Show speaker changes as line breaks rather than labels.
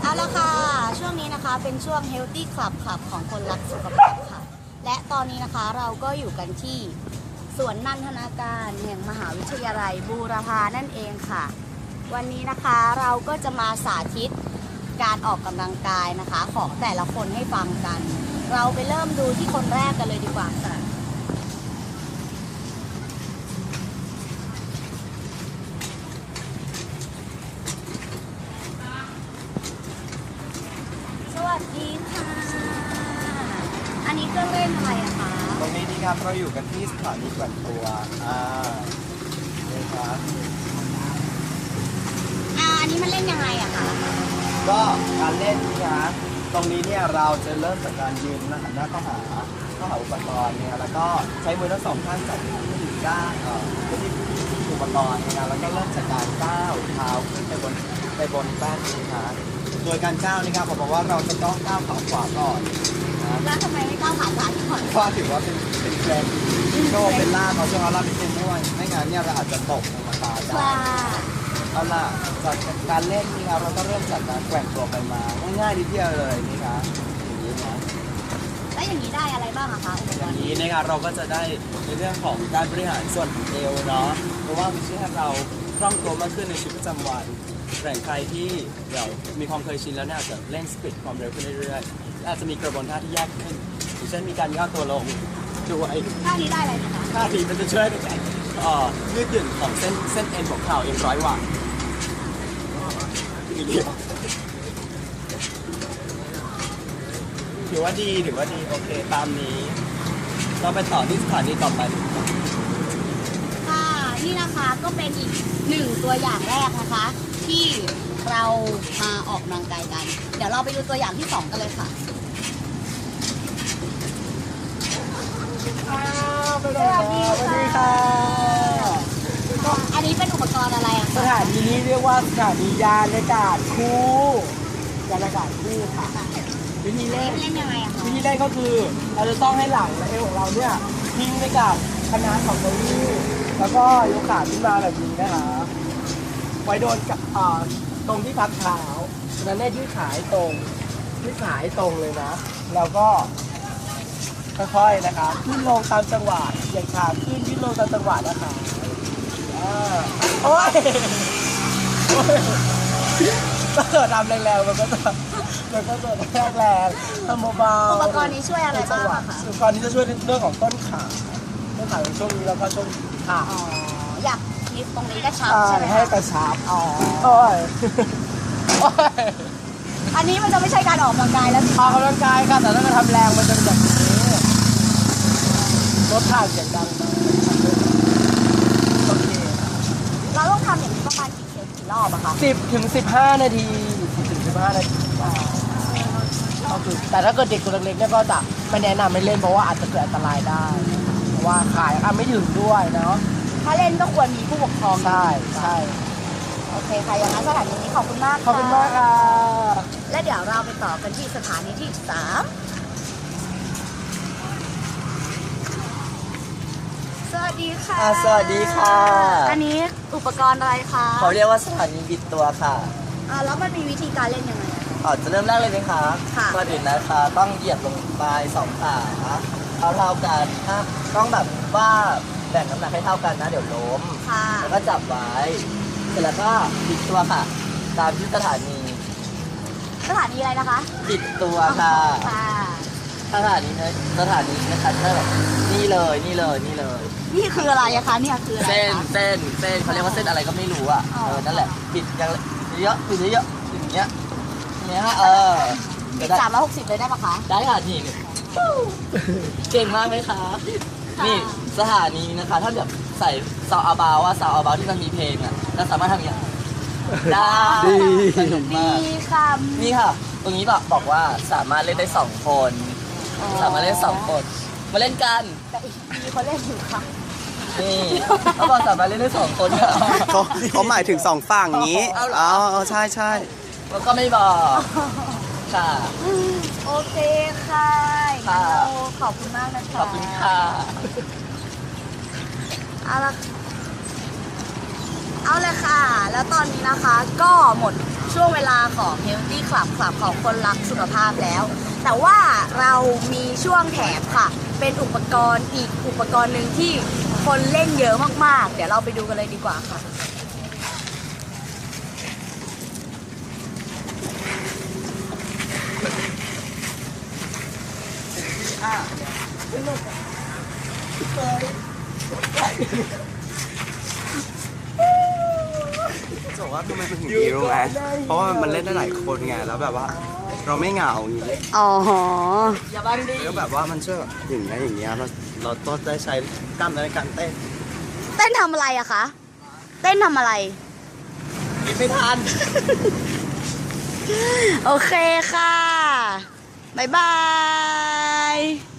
เอาละค่ะช่วงนี้นะคะเป็นช่วง Healthy Club ค่ะของคนรักสุขภาพค่ะและตอนนี้นะคะเราก็อยู่กันที่สวนนันทนาการแห่งมหาวิทยาลัยบูรพานั่นเองค่ะวันนี้นะคะเราก็จะมาสาธิตการออกกำลังกายนะคะของแต่ละคนให้ฟังกันเราไปเริ่มดูที่คนแรกกันเลยดีกว่าค่ะสวัสดีค่ะอันนี้เครื่องเล่นอะไรอะคะ
ตรงนี้นี่ครับเราอยู่กันที่สถานีแกว่งตัวนี่ครับ
อันนี้มันเล่นยังไงอะคะ
ก็การเล่นนี่ครับตรงนี้เนี่ยเราจะเริ่มจากการยืนหันหน้าเข้าหาอุปกรณ์เนี่ยแล้วก็ใช้มือทั้งสองข้างจับที่ก้าวที่อุปกรณ์นะแล้วก็เริ่มจากการก้าวเท้าขึ้นไปบนแป้นนี้ครับโดยการก้าวนี่ครับผมบอกว่าเราจะต้องก้าวขาขวาก่อนนะ
แล้วทำไมไม่ก้าวขาซ้ายก่อน
เพราะถือว่าเป็นเทรนด์โชว์เป็นล่าเราช่วงเราเป็นด้วยไม่งั้นเนี่ยเราอาจจะตกลงมาตายได้เอาล่ะจากการเล่นนี่ครับเราก็เริ่มจากการแกว่งตัวไปมาง่ายๆนิดเดียวเลยนี่ครับอย่างนี้นะ
แล้วอย่างนี้ได้อะไรบ้างอะคะ
อย่างนี้นะครับเราก็จะได้ในเรื่องของการบริหารส่วนเอวเนาะเพราะว่ามันช่วยให้เราคล่องตัวมากขึ้นในชีวิตประจำวันแต่ใครที่เดี๋ยวมีความเคยชินแล้วเนี่ยอาจจะเล่นสปีดความเร็วขึ้นเรื่อยๆอาจจะมีกระบวนท่าที่ยากขึ้นอย่างเช่นมีการย่อตัวลงด้วย
ท่านี้ได้อะไรนะคะ
ท่านี้มันจะช่วยในการยืดหยุ่นของเส้นเอ็นของเข่าเอ็นร้อยวังถือว่าดีโอเคตามนี้เราไปต่อที่สถานีต่อไป
ค่ะนี่นะคะก็เป็นอีกหนึ่งตัวอย่างแรกนะคะที่เรามาออกกำลังกายกันเดี๋ยวเราไปดูตัวอย่างที่2กันเลยค่ะ
สวัสดีค่ะ
อันนี้เป็นอุปกรณ์อะไรอะ
สถานีนี้เรียกว่าสถานียานอากาศคู่ค่ะวิธีเล่น
ยังไงอะคะ
วิธีเล่นก็คือเราจะต้องให้หลังและเอวของเราเนี่ยทิ้งไปกับคณะของเก้าอี้แล้วก็ยกขาขึ้นมาแบบนี้นะคะไว้โดนกับตรงที่พักเท้าฉะนั้นเนี่ยยืดขาให้ตรงเลยนะแล้วก็ค่อยๆนะคะขึ้นลงตามจังหวะอย่างขาขึ้นลงตามจังหวะนะคะโอ้ยถ้าเกิดทำแรงๆมันก็จะแรงทำเบาๆ
อุปกรณ์นี้ช่วยอะไรบ้างคะ
อุปกรณ์นี้จะช่วยเรื่องของต้นขาในช่วงนี้แล้วก็ช่วงขา
อยากมีตรงนี้กระชับใช่ไหม
ให้กระชับโอ้ย
อันนี้มันจะไม่ใช่การออกกำลังกายแล้ว
ออกกำลังกายค่ะแต่ถ้าเราทำแรงมันจะแบบนี้ลดท่าเสียงดังโอเค
เราต้องทำอย่างนี้ประมาณกี่รอบอะคะ
10 ถึง 15 นาทีก็คือแต่ถ้าเกิดเด็กตัวเล็กๆเนี่ยก็จะไม่แนะนำไม่เล่นเพราะว่าอาจจะเกิดอันตรายได้เพราะว่าขายไม่ถึงด้วยเนาะ
ถ้าเล่นก็ควรมีผู้ปกครอง
ใช่
โอเคค่ะอย่างนั้นสถานีนี้ขอบคุณมาก
ขอบคุณมากค่ะ
และเดี๋ยวเราไปต่อกันที่สถานีที่3สวัสดีค่ะ
สวัสดีค่ะ
อันนี้อุปกรณ์อะไรคะ
เขาเรียกว่าสถานีบิดตัวค่ะ
แล้วมันมีวิธีการเล่นยังไง
จะเริ่มแรกเลยไหมคะก่อนอื่นนะคะต้องเหยียบลงไป2 ขาเท่ากันนะต้องแบบว่าแบ่งน้ำหนักให้เท่ากันนะเดี๋ยวล้มแล้วก็จับไว้เสร็จแล้วก็บิดตัวค่ะตามที่สถานี
อะไรนะคะ
บิดตัวค่ะสถานีนะคะก็แบบนี่เลย
นี่คืออะไรอะคะเนี่ยคืออะไร
เส้นเขาเรียกว่าเส้นอะไรก็ไม่รู้อ่ะนั่นแหละบิดอย่างเยอะอย่างเงี้ย
บิด360เลยได้ปะคะ
ได้ค่ะนี่เก่งมากเลยค่ะนี่สถานีนะคะถ้าแบบใส่ซาวอาบาวที่มันมีเพลงอ่ะเราสามารถทำอย่างนี้ได้สนุกมากนี่ค่ะตรงนี้บอกว่าสามารถเล่นได้2 คนมาเล่นกัน
แต่อีกทีเขาเล่นอยู่ค่ะ
นี่เขาบอกสามารถเล่นได้2 คน
เขาหมายถึง2 ฝั่งนี้ใช่
แล้วก็ไม่บอกค่ะ
โอเคค่ะขอบคุณมากนะคะ
ขอบคุณค่ะ
เอาเลยค่ะแล้วตอนนี้นะคะก็หมดช่วงเวลาของ Healthy Club ของคนรักสุขภาพแล้ว แต่ว่าเรามีช่วงแถมค่ะ เป็นอุปกรณ์อีกอุปกรณ์หนึ่งที่คนเล่นเยอะมากๆ เดี๋ยวเราไปดูกันเลยดีกว่าค่ะ
จะบอกว่าทำไมมันถึงดีรู้ไหมเพราะว่ามันเล่นได้หลายคนไงแล้วแบบว่า เราไม่เหงาอย่างนี้
อ๋อ
อย่าบังดิ
แล้วแบบว่ามันช่วยแบบอย่างเงี้ยเราต้องได้ใช้กล้ามเนื้อในการเต้น
เต้นทำอะไรอะคะ เต้นทำอะไร
กินไม่ทัน
โอเคค่ะ บ๊ายบาย